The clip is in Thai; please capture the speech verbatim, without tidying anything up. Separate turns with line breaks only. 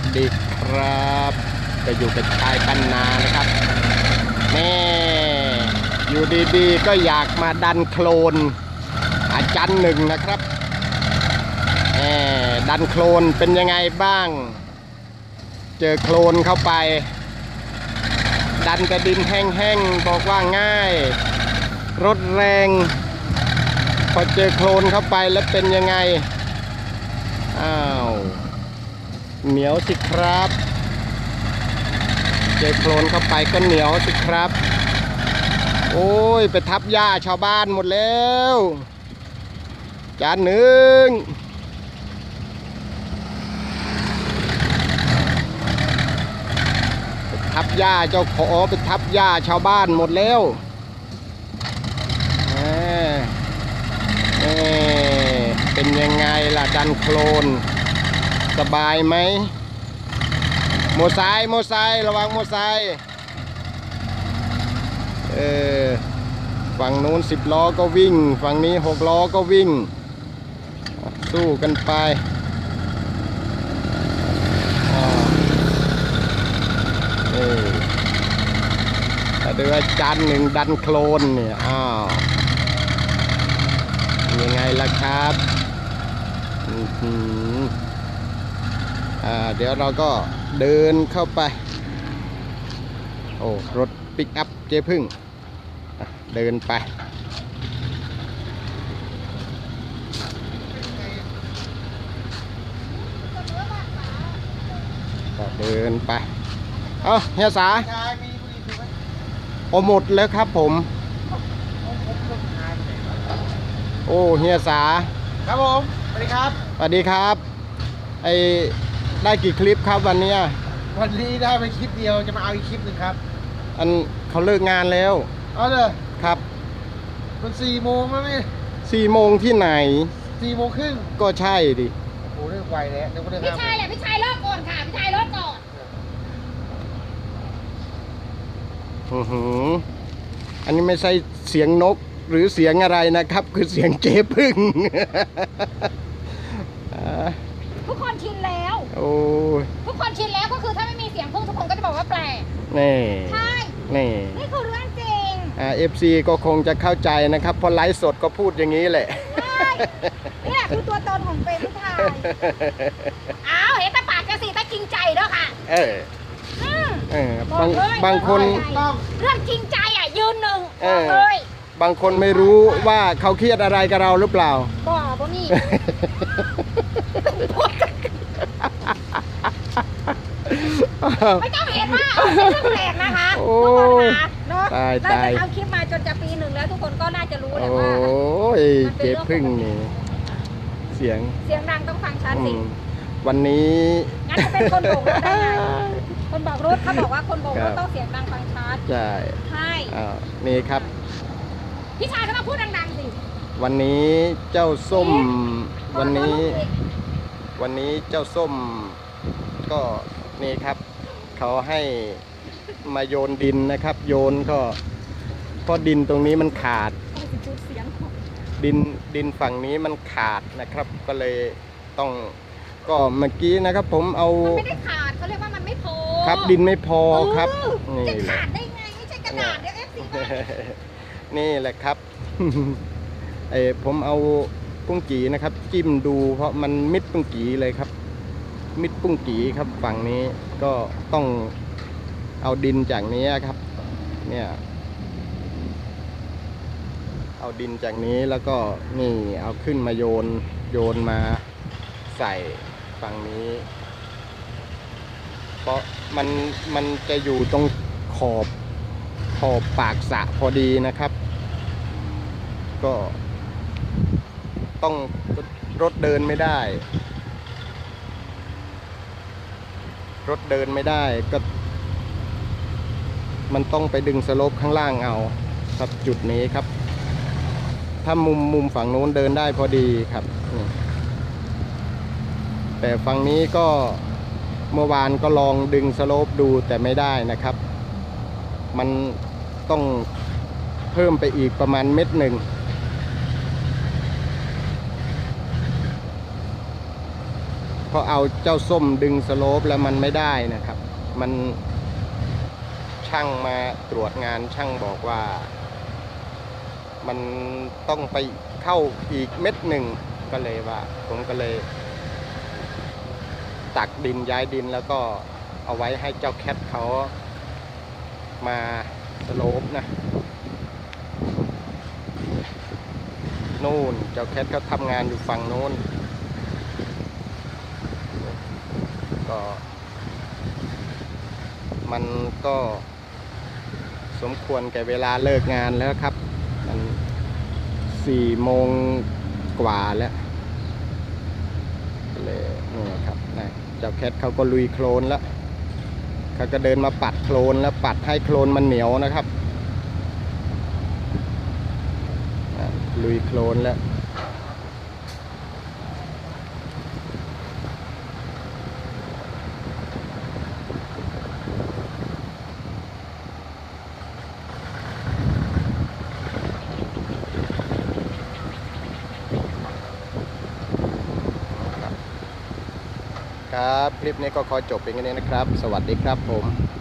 ดีครับจะอยู่กับชายปันนานะครับนี่อยู่ดีๆก็อยากมาดันโคลนอาจารย์หนึ่งนะครับนี่ดันโคลนเป็นยังไงบ้างเจอโคลนเข้าไปดันแต่ดินแห้งๆบอกว่าง่ายรถแรงพอเจอโคลนเข้าไปแล้วเป็นยังไงอ้าวเหนียวสิครับเจอโคลนเข้าไปก็เหนียวสิครับโอ้ยไปทับหญ้าชาวบ้านหมดแล้วจานหนึ่งไปทับหญ้าเจ้าขอไปทับหญ้าชาวบ้านหมดแล้วเอ่เอ่เป็นยังไงล่ะดันโคลนสบายไหมโมไซค์โมไซค์ระวังโมไซค์เออฝั่งนู้นสิบล้อก็วิ่งฝั่งนี้หกล้อก็วิ่งสู้กันไปเออแต่ด้วยจานหนึ่งดันโคลนเนี่ยอ้าวยังไงล่ะครับอืมอ่าเดี๋ยวเราก็เดินเข้าไปโอ้รถปิกอัพเจ๊พึ่งเดินไปก็เดินไปเอ้าเฮียสาโอหมดแล้วครับผมโอ้เฮียสา
ครับผมสวัสดีครับ
สวัสดีครับไอได้กี่คลิปครับวันนี้
วันนี้ได้ไปคลิปเดียวจะมาเอาอีกคลิปหนึ่งครับ
อันเขาเลิกงานแล้ว
เอาเลย
ครับ
มันสี่โมงแล้วนี่
สี่โมงที่ไหน
สี่โมงครึ่ง
ก็ใช่ดิ
โอ้โหเรื่องไวแล้วเดี๋ยวเรื่อง
พี่ชายอ่ะพี่ชายเลิกก่อนค่ะพี่ชายเลิกก่อน
อือหืออันนี้ไม่ใช่เสียงนกหรือเสียงอะไรนะครับคือเสียงเจ๊พึ่ง
ทุกคนชินแล้ว
โอ้
ทุกคนชินแล้วก็คือถ้าไม่มีเสียงพึ่งทุกคนก็จะบอกว่าแปลก
นี่
ใช่
นี่
นี่คือเรื่องจริง
อ่าเอฟซีก็คงจะเข้าใจนะครับเพราะไลฟ์สดก็พูดอย่างนี้แหละ
ใช่นี่แหละคือตัวตนของเป็นผู้ชายอ้าวเห็นตาปากจะสีตาจริงใจด้วยค่ะ
เออเออบางบางคน
เรื่องจริงใจอ่ะยืนหนึ่งเลย
บางคนไม่รู้ว่าเขาเครียดอะไรกับเราหรือเปล่า
บ่บ่นี่ไม่ต้องเห็นว่าเป็นเรื่องแปลกนะคะ
โอ้
เนาะตายตายเอาคลิปมาจนจะปีหนึ่งแล้วทุกคนก็น่าจะรู้แหละว่า
โอ้ยเจ๊พึ่งนี่เสียง
เสียงดังต้องฟังชัดสิ
วันนี้
งั้นจะเป็นคนโบกรถได้ไงคนบอกรถเขาบอกว่าคนโบกรถต้องเสียงดังฟังชัด
ใช่
ใช่
นี่ครับ
พี่ชายก็มาพูดดังๆสิ
วันนี้เจ้าส้มวันนี้วันนี้เจ้าส้มก็นี่ครับเขาให้มาโยนดินนะครับโยนก็เพราะดินตรงนี้มันขาดดินดินฝั่งนี้มันขาดนะครับก็เลยต้องก็เมื่อกี้นะครับผมเอา
มันไม่ได้ขาดเขาเรียกว่ามันไม่พอ
ครับดินไม่พอครับ
นี่จะขาดได้ไงไม่ใช่กระดาษเดี๋ยวเอฟซี
นี่แหละครับไอผมเอาปุ้งกีนะครับจิ้มดูเพราะมันมิดปุ้งกีเลยครับมิดปุ้งกีครับฝั่งนี้ก็ต้องเอาดินจากนี้ครับเนี่ยเอาดินจากนี้แล้วก็นี่เอาขึ้นมาโยนโยนมาใส่ฝั่งนี้เพราะมันมันจะอยู่ตรงขอบขอบปากสระพอดีนะครับก็ต้องรถเดินไม่ได้รถเดินไม่ได้ก็มันต้องไปดึงสโลปข้างล่างเอาครับจุดนี้ครับถ้ามุมมุมฝั่งโน้นเดินได้พอดีครับแต่ฝั่งนี้ก็เมื่อวานก็ลองดึงสโลปดูแต่ไม่ได้นะครับมันต้องเพิ่มไปอีกประมาณเม็ดหนึ่งเพราะเอาเจ้าส้มดึงสโลปแล้วมันไม่ได้นะครับ มันช่างมาตรวจงานช่างบอกว่า มันต้องไปเข้าอีกเม็ดหนึ่งก็เลยว่า ผมก็เลย ตักดินย้ายดินแล้วก็เอาไว้ให้เจ้าแคทเขามาสโลปนะนู่นเจ้าแคทเขาทำงานอยู่ฝั่งโน้นก็มันก็สมควรแก่เวลาเลิกงานแล้วครับมันสี่โมงกว่าแล้วเลยนี่ครับนะเจ้าแคทเขาก็ลุยโคลนแล้วเขาก็เดินมาปัดโคลนแล้วปัดให้โคลนมันเหนียวนะครับลุยโคลนแล้วครับคลิปนี้ก็ขอจบเป็นแค่นี้นะครับสวัสดีครับผม